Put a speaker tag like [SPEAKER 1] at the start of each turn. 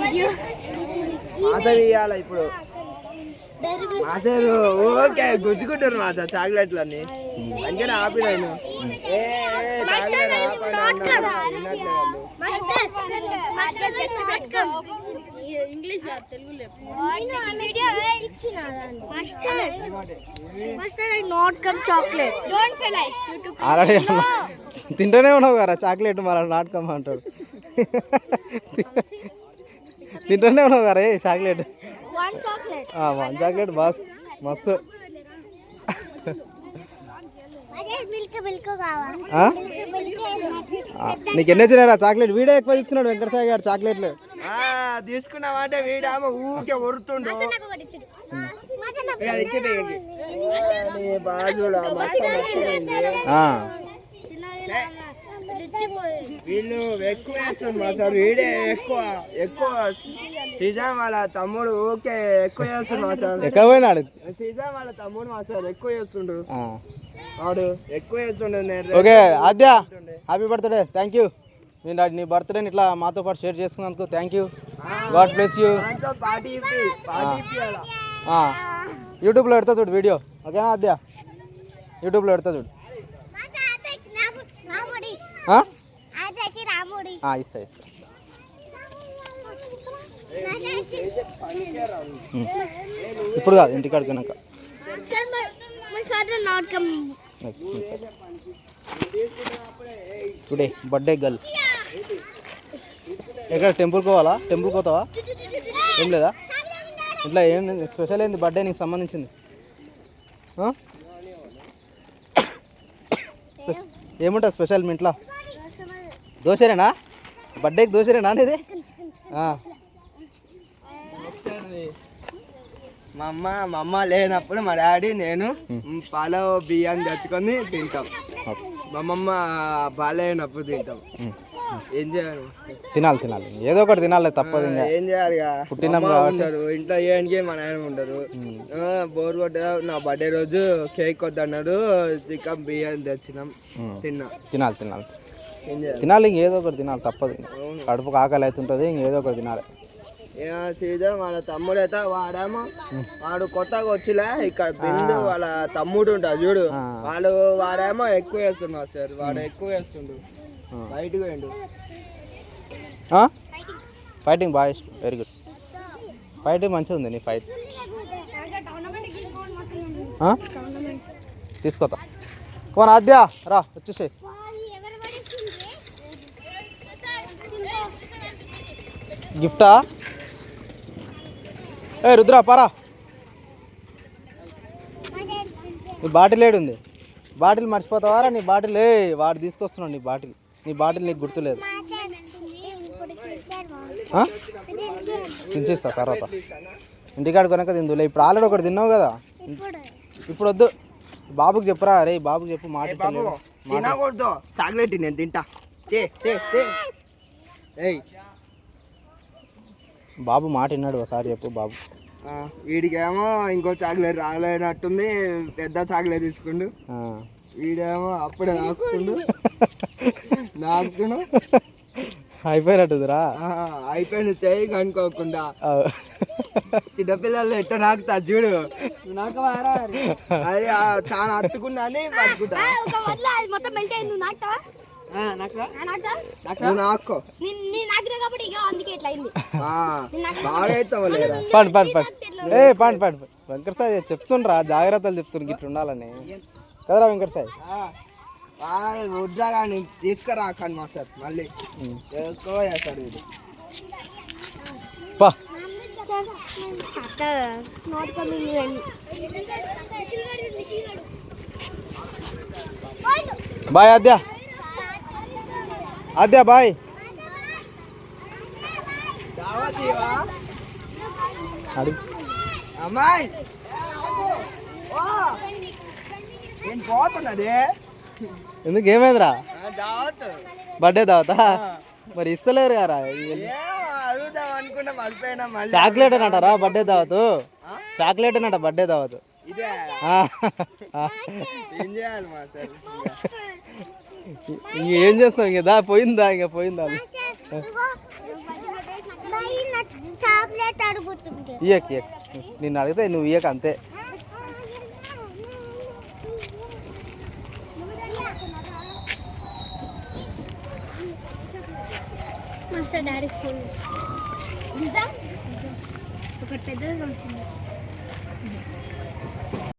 [SPEAKER 1] మాసలు ఇవ్వాలి ఇప్పుడు. మాసలు ఓకే గుచ్చుకుంటారు మాస చాక్లెట్లు అన్ని అందుకని ఆపి నేను చాక్లెట్ ఆపండి
[SPEAKER 2] తింటూనే ఉన్నావు కదా చాక్లెట్ మళ్ళీ నాట్ కమ్ అంటాడు. తింటూనే ఉన్నావు కదా చాక్లెట్. వన్ చాక్లెట్ బాస్ మస్తు. నీకు ఎన్ని వచ్చినారా చాక్లెట్? వీడే ఎక్కువ తీసుకున్నాడు వెంకటసాయి గారు చాక్లెట్లు.
[SPEAKER 1] తీసుకున్నామంటే వీడేమో ఊకే ఒరుతుండు. వీళ్ళు ఎక్కువ వేస్తుంది మా సార్. వీడే ఎక్కువ సీజన్ వాళ్ళ తమ్ముడు ఊకే ఎక్కువ చేస్తుండు మా సార్.
[SPEAKER 2] ఎక్కడ పోయినాడు?
[SPEAKER 1] సీజన్ వాళ్ళ తమ్ముడు మా సార్ ఎక్కువ చేస్తుండు. వాడు ఎక్కువ చేస్తుండే.
[SPEAKER 2] Okay Aadya, happy birthday. Thank you. నేను నీ బర్త్డేని ఇట్లా మాతో పాటు షేర్ చేసుకున్నందుకు thank you. God bless you. యూట్యూబ్లో పెడతా చూడు వీడియో. ఓకేనా ఆద్య? యూట్యూబ్లో పెడతా చూడు. ఇస్తా ఇస్తా. ఇప్పుడు కాదు, ఇంటికాడికి వెనక. Today birthday girl. ఎక్కడ టెంపుల్కి పోవాలా? టెంపుల్కి పోతావా? ఏం లేదా ఇట్లా? ఏం స్పెషల్ ఏంది బర్త్డే నీకు సంబంధించింది? ఏముంటుంది స్పెషల్ మీ ఇంట్లో? దోశరేనా? బర్త్డేకి దోశరేనా అనేది?
[SPEAKER 1] మా అమ్మ లేనప్పుడు మా డాడీ నేను పాల బియ్యాన్ని తెచ్చుకొని తింటాం. మా అమ్మమ్మ బాగాలేనప్పుడు తింటాం. ఏం చేయాలి?
[SPEAKER 2] తినాలి ఏదో ఒకటి తినాలి, తప్పదు.
[SPEAKER 1] ఏం చేయాలి? పుట్టినాం ఉండరు ఇంట్లో, ఏనికి మా నాయన ఉండరు. బోర్ కొట్ట నా బర్త్డే రోజు కేక్ వద్దన్నాడు, చికెన్ బియ్యాన్ని తెచ్చినాం, తినాలి. ఇంకేదో ఒకటి తినాలి, తప్పదు. కడుపుకు ఆకలి అవుతుంటుంది, ఇంకేదో ఒకటి తినాలి. సీజన్ వాళ్ళ తమ్ముడు అయితే వాడు కొత్తగా వచ్చిలే ఇక్కడ బిందు వాళ్ళ తమ్ముడు ఉంటాడు చూడు, వాడేమో ఎక్కువ వేస్తున్నాడు సార్. వాడు ఎక్కువ వేస్తుండు, బయటకు పోయిండు.
[SPEAKER 2] ఫైటింగ్ బాగా ఇష్టం, వెరీ గుడ్. ఫైటింగ్ మంచిగా ఉంది నీ ఫైట్. తీసుకోతా పోనా ఆద్య, రా వచ్చేసేయి. గిఫ్టా? రుద్రా పారా, నీ బాటిల్ ఏడుంది? బాటిల్ మర్చిపోతావారా? నీ బాటిల్ వాడు తీసుకొస్తున్నాడు. నీ బాటిల్ నీకు గుర్తులేదు. తినిచేస్తా తర్వాత, ఇంటికాడ కొనక తిందులే. ఇప్పుడు ఆల్రెడీ ఒకటి తిన్నావు కదా, ఇప్పుడు వద్దు. బాబుకి చెప్పురా. రే బాబుకి చెప్పు.
[SPEAKER 1] తినకూడదు చాక్లెట్, నేను తింటా.
[SPEAKER 2] బాబు మాట విన్నాడు, ఒకసారి చెప్పు బాబు.
[SPEAKER 1] వీడికేమో ఇంకో చాక్లెట్ రాలేనట్టుంది, పెద్ద చాక్లెట్ తీసుకుండు. వీడేమో అప్పుడే నాకుతుండు.
[SPEAKER 2] అయిపోయినట్టుదిరా.
[SPEAKER 1] అయిపోయిన చెయ్యి కనుక్కోకుండా. చిన్నపిల్లలు ఎట్ట నాకుతా చూడు, అది చాలా అత్తుకున్నా అని పట్టుకుంటా.
[SPEAKER 2] వెంకటసాయి చెప్తుండ్రా, జాగ్రత్తలు చెప్తుండ్రు ఇట్లా ఉండాలని కదరా వెంకటసాయి.
[SPEAKER 1] ఉద్యోగాన్ని తీసుకురా కానీ మా సార్ మళ్ళీ ఎక్కువ చేస్తాడు ఇది.
[SPEAKER 2] Bye Aadya, bye.
[SPEAKER 1] అమ్మాయి నేను పోతున్నది.
[SPEAKER 2] ఎందుకు? ఏమైందిరా? బర్త్డే దావతా? మరి ఇస్తలేరు కదా.
[SPEAKER 1] అడుగుదాం అనుకుంటా మర్చిపోయినా.
[SPEAKER 2] చాక్లెట్ అని అంటారా బర్త్డే దావతు? చాక్లెట్ అని అంట బర్త్డే దావతు. ఏం చేస్తాం? ఇంకా పోయిందా? ఇంకా పోయిందా?
[SPEAKER 3] చాక్లెట్ అడుగుతుంది.
[SPEAKER 2] ఇయ్యక్ నిన్ను అడిగితే నువ్వు ఇయ్యక అంతే.
[SPEAKER 3] మాస్టర్ డాడీ ఫోన్ ఒకటి పెద్దది వస్తుంది.